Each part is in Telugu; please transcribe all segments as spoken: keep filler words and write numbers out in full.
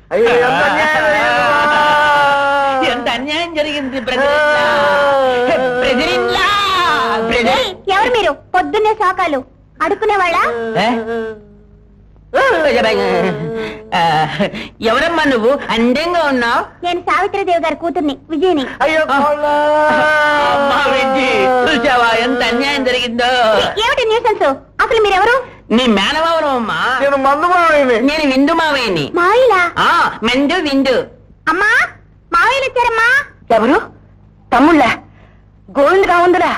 ఎంత అన్యాయం జరిగింది ఎవరు మీరు? పొద్దున్నే సాకాలు అడుక్కునేవాళ్ళ? ఎవరమ్మా నువ్వు? అందంగా ఉన్నావు. నేను సావిత్రిదేవి గారి కూతుర్ని, విజయని. అయ్యో చూసావా ఎంత అన్యాయం జరిగిందో? ఏమిటి న్యూసెన్స్? అసలు మీరెవరు? నీ మేనమావరం అమ్మా. నేను మందు మావయ్యని. నేను విందు మావయ్యని. మావిలా? మెండు విందు. అమ్మా మావయ్యలు వచ్చారమ్మా. ఎవరు? తమ్ముళ్ళ? గోవింద్ రావుందిరా?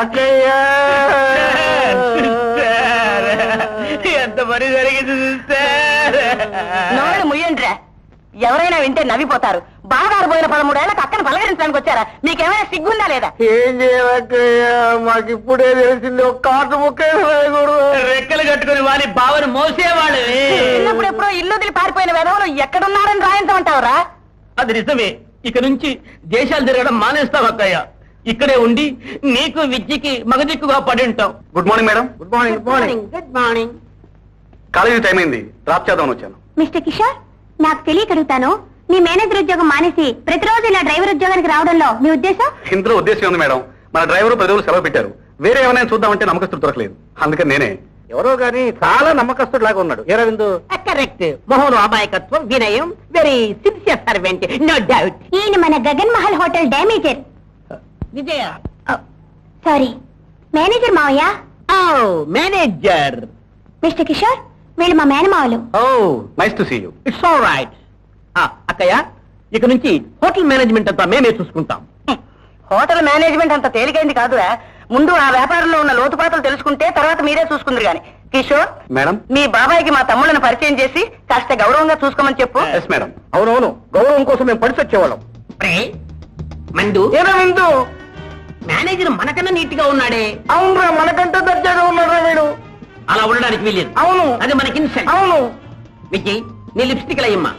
ఎంత పని జరిగింది నోళ్ళు ముయ్యండ్రా. ఎవరైనా వింటే నవ్విపోతారు. బాగా పోయిన పదమూడేళ్లకు అక్కను పలకరించడానికి వచ్చారా? మీకేమైనా సిగ్గుందా లేదా? ఏం చేయాలక్కయ్యా, మాకు ఇప్పుడే తెలిసింది. ఒక కాటు ముక్క రెక్కలు కట్టుకుని వారి బావను మోసేవాళ్ళు. చిన్నప్పుడు ఎప్పుడో ఇల్లు వదిలి పారిపోయిన వెధవలు ఎక్కడున్నారని రాయించమంటావురా? అది నిజమే. ఇక నుంచి దేశాలు తిరగడం మానేస్తాం అక్కయ్య. ఇక్కడే ఉండి నీకు విద్యకి మగదిక్కుగా పడి ఉంటాం. Good morning madam. Good morning. Good morning. Good morning. College time అయింది, డ్రాప్ చేద్దామని వచ్చాను. మిస్టర్ కిషోర్, నాకు తెలియకడుగుతాను, మీ మేనేజర్ ఉద్యోగం మానేసి ప్రతిరోజు ఇలా డ్రైవర్ ఉద్యోగానికి రావడంలో మీ ఉద్దేశం? ఇందులో ఉద్దేశం ఉంది మేడం. మన డ్రైవర్ పది రోజులు సెలవు పెట్టారు. వేరే ఏమైనా చూద్దామంటే నమ్మకస్తుడు దొరకలేదు. అందుకని నేనే. ఎవరో గానీ చాలా నమ్మకస్తుడు లాగా ఉన్నాడు. ఏ రవిందు? కరెక్ట్. మొహం అమాయకత్వం, వినయం, very sincere servant, no doubt. ఈయన మన Gagan Mahal hotel damager. Vijaya. Sorry, manager మావయ్య. Oh manager. మిస్టర్ కిషోర్, వీళ్ళు మా మేనమావలు. Oh nice to see you. It's all right. అక్కయ్య, ఇక నుంచి హోటల్ మేనేజ్మెంట్ అంతా మేమే చూసుకుంటాం. హోటల్ మేనేజ్మెంట్ అంత తేలికైంది కాదురా. ముందు ఆ వ్యాపారంలో ఉన్న లోతుపాతలు తెలుసుకుంటే తర్వాత మీరే చూసుకుందరు గాని. కిషోర్ మేడం, మీ బాబాయ్కి మా తమ్ముళ్ళని పరిచయం చేసి కాస్త గౌరవంగా చూసుకోమని చెప్పు. Yes madam. అవునవును, గౌరవం కోసం మేము పడిచి వచ్చేవాళ్ళం. మందు ఏ రవిందు? మేనేజర్ మనకన్నా నీట్ గా ఉన్నాడే. అవునరా, మనకంటే దర్జాగా ఉన్నారా వీడు. అలా ఉండడానికి వీలేదు. అవును, అది మనకి ఇన్సల్ట్. అవును. విజయ్, నీ లిప్స్టిక్ అయ్యమ్మా.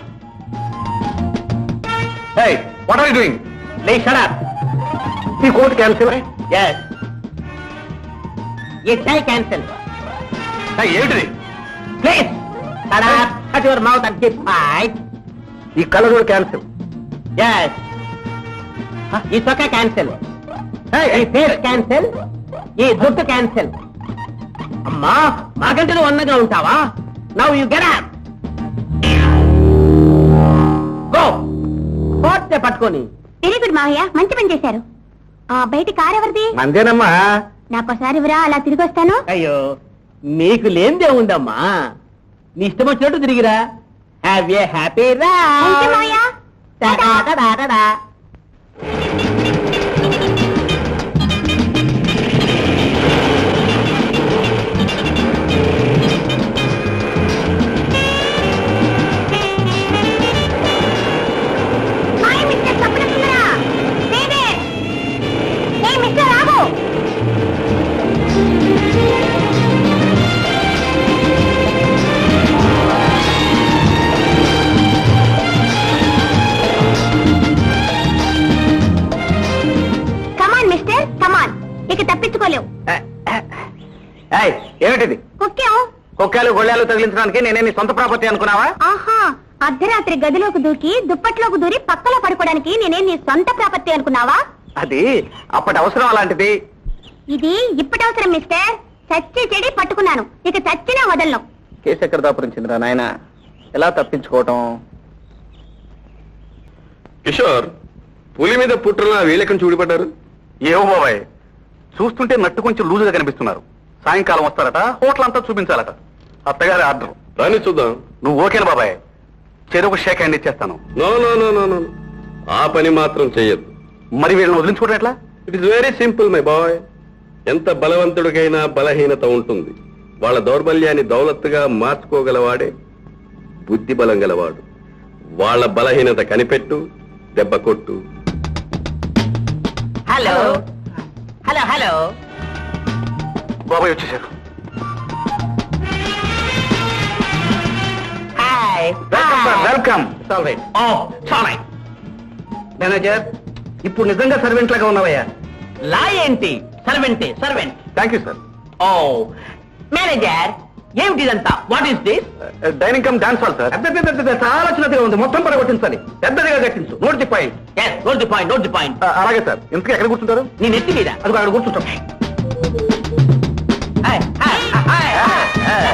Hey, what are you doing? Lay shut up. ఈ coat cancel. Yes. Yes, I cancel. ఏంటిది? Please, shut up. Shut your mouth and keep quiet. ఈ కలర్ క్యాన్సిల్. Yes. ఈ సొక్క క్యాన్సిల్. ఈ ఫేస్ క్యాన్సిల్. ఈ జుట్టు క్యాన్సిల్. అమ్మా, మాకంటే నువ్వు అన్నగా ఉంటావా? Now you get up. Go. కోర్టే పట్టుకొని. వెరీ గుడ్ మావయ్య, మంచి పని చేశారు. ఆ బయట కార్ ఎవరిది? మందేనమ్మా. నాకోసారి ఇవ్వరా, అలా తిరిగి వస్తాను. అయ్యో, నీకు లేనిదే ఉందమ్మా. నీ ఇష్టం వచ్చినట్టు తిరిగిరా. Have a happy Thank you, మావయ్య. రా. హాయ్ మిస్టర్ సప్నసుందరా. దేదే. ఏ mister Raghu. Come on mister, come on. ఇక తప్పించుకోలేవు. ఏమిటిది? కుక్కేం? కుక్కలు గొళ్ళాలు తగిలించడానికి నేనే నీ సొంత ప్రాపర్టీ అనుకున్నావా? ఆహా, అర్ధరాత్రి గదిలోకి దూకి దుప్పట్లోకి దూరి పక్కలో పడుకోవడానికి నేనే నీ సొంత ప్రాపర్టీ అనుకున్నావా? అది అప్పటి అవసరం అలాంటిది. ఇది ఇప్పటి అవసరం మిస్టర్. చచ్చి చెడి పట్టుకున్నాను, ఇక చచ్చినా వదలను. కేసు ఎక్కడ దాపురించిందిరా నాయన? ఎలా తప్పించుకోవటం? కిషోర్, పులి మీద పుట్టిన వీళ్ళెక్కడి చూడిపడ్డారు? ఏవో బాబాయ్, చూస్తుంటే నట్టు కొంచెం లూజుగా కనిపిస్తున్నారు. సాయంకాలం వస్తారట, హోటల్ అంతా చూపించాలట. అత్తగారి ఆర్డర్. రాని చూద్దాం. నువ్వు ఓకేనా బాబాయ్? చెరుకు షేక్ హ్యాండ్ ఇచ్చేస్తాను. No no no no no ఆ పని మాత్రం చెయ్యద్దు. మరి వీళ్ళని వదిలించుకోవడం ఎట్లా? It is very simple my boy. ఎంత బలవంతుడికైనా బలహీనత ఉంటుంది. వాళ్ళ దౌర్బల్యాన్ని దౌలత్తుగా మార్చుకోగలవాడే బుద్ధి బలం గలవాడు. వాళ్ళ బలహీనత కనిపెట్టు, దెబ్బ కొట్టు. Hello hello hello. బాబాయ్ వచ్చేసారు. Hi. Welcome. Oh sorry manager, ఇప్పుడు నిజంగా సర్వెంట్ లాగా ఉన్నావయ్యా. లా ఏంటి? సర్వెంటే, servant. Thank you sir. Oh manager, ఏమిటి ఇదంతా? What is this? Dining come dance hall sir. చాలా చిన్నదిగా ఉంది, మొత్తం పడగొట్టించాలి. పెద్దదిగా కట్టించు. Note the point. Note the point, note the point. అలాగే సార్. ఇంతకీ ఎక్కడ కూర్చుంటారు? నీ నెత్తి మీద. అది అక్కడ కూర్చుంటాం. Hi, hi, hi, hi.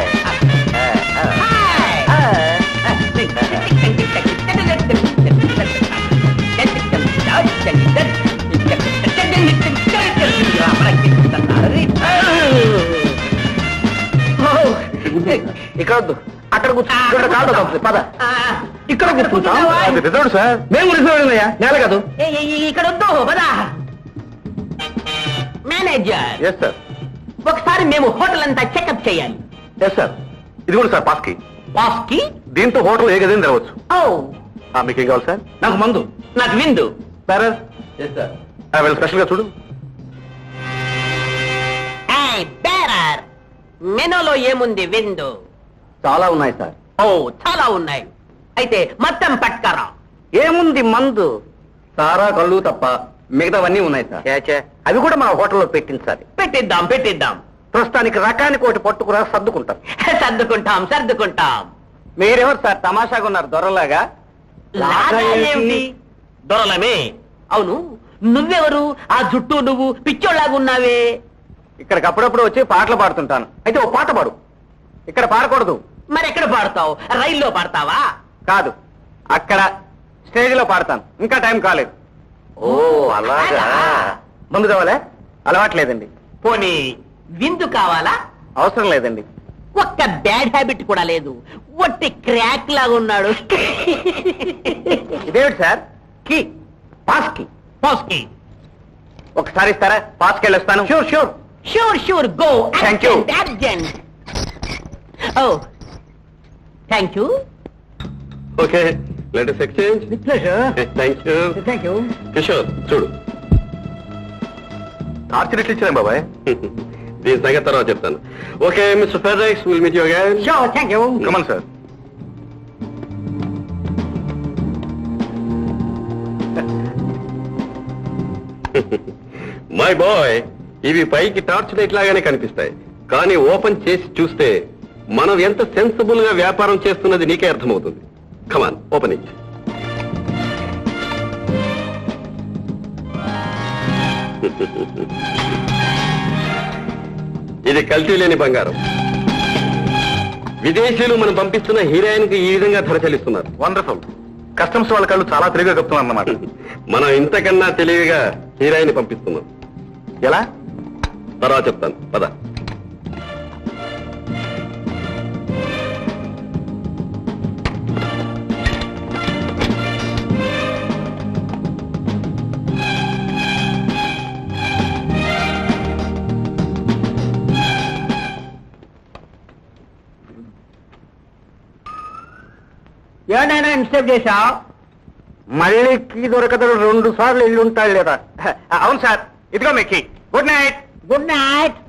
ఇక్కడ వద్దు, అక్కడ కూర్చో. పద, ఇక్కడ కూర్చుంటాం. Reserve sir. మేము రిజర్వ్ అయ్యా, నేల కాదు. ఇక్కడ వద్దు, పదా. Manager, yes sir. ఒకసారి మేము హోటల్ అంతా చెకప్ చేయాలి. Yes sir. ఇది కూడా సార్ పాస్కి. పాస్కి? దీంతో హోటల్ ఏ గదిని తెరవచ్చు. ఓ, మీకు ఏం కావాలి సార్? నాకు మందు, నాకు విందు. Sir yes sir. వీళ్ళు స్పెషల్ గా చూడు. బేరర్, మెనూలో ఏముంది విందు? చాలా ఉన్నాయి సార్. ఓ, చాలా ఉన్నాయి. అయితే మొత్తం పట్కరా. ఏముంది మందు? సారా కళ్ళు తప్ప మిగతావన్నీ ఉన్నాయి సార్. అవి కూడా మా హోటల్లో పెట్టించాలి. పెట్టిద్దాం, పెట్టిద్దాం. ప్రస్తుతానికి రకానికి ఒకటి పట్టుకురా, సర్దుకుంటాం. సర్దుకుంటాం, సర్దుకుంటాం. మీరెవరు సార్ తమాషాగా ఉన్నారు దొరలాగా? లాగా ఏమిటి? దొరలమే. అవును, నువ్వెవరు? ఆ జుట్టు నువ్వు పిచ్చోళ్ళగా ఉన్నావే. ఇక్కడికి అప్పుడప్పుడు వచ్చి పాటలు పాడుతుంటాను. అయితే ఓ పాట పాడు. ఇక్కడ పాడకూడదు. మరి ఎక్కడ పాడతావు? రైల్లో పాడతావా? కాదు, అక్కడ స్టేజ్ లో పాడతాను. ఇంకా టైం కాలేదు. ఓ, అలాగా. ముందు కావాలా? అలవాట్లేదండి. పోనీ విందు కావాలా? అవసరం లేదండి. ఒక్క బ్యాడ్ హ్యాబిట్ కూడా లేదు. ఒట్టి క్రాక్ లాగా ఉన్నాడు. ఇదేమిటి సార్? కీ, పాస్ కి. పాస్ కి ఒకసారి ఇస్తారా? పాస్కి వెళ్ళొస్తాను. Sure sure sure sure go. Thank you. Urgent. Oh, thank you. Okay, let us exchange. Thank you. Thank you. Kishore చూడు. టార్చర్ ఎట్లు ఇచ్చాను బాబాయ్? దీని సంగతి తర్వాత చెప్తాను. Okay mister Fredericks, will meet you again. Sure, thank you. Come on sir. My boy, ఇవి పైకి టార్చ్ లైట్ లాగానే కనిపిస్తాయి, కానీ ఓపెన్ చేసి చూస్తే మనం ఎంత సెన్సిబుల్ గా వ్యాపారం చేస్తున్నది నీకే అర్థమవుతుంది. Come on, open it. ఇది కల్తీ లేని బంగారం. విదేశీయులు మనం పంపిస్తున్న హీరోయిన్ కి ఈ విధంగా ధర చెల్లిస్తున్నారు. వండర్ఫుల్. కస్టమ్స్ వాళ్ళ కళ్ళు చాలా తెలివిగా చెప్తున్నారు అన్నమాట. మనం ఇంతకన్నా తెలివిగా హీరోయిన్ పంపిస్తున్నాం. ఎలా? తర్వాత చెప్తాను, పద. ఏడైనా ఇన్స్టెప్ చేశావు? మళ్ళీ కీ దొరకదు. రెండు సార్లు ఇల్లు ఉంటాడు లేదా? అవును సార్, ఇదిగో మీ key. Good night. Good night.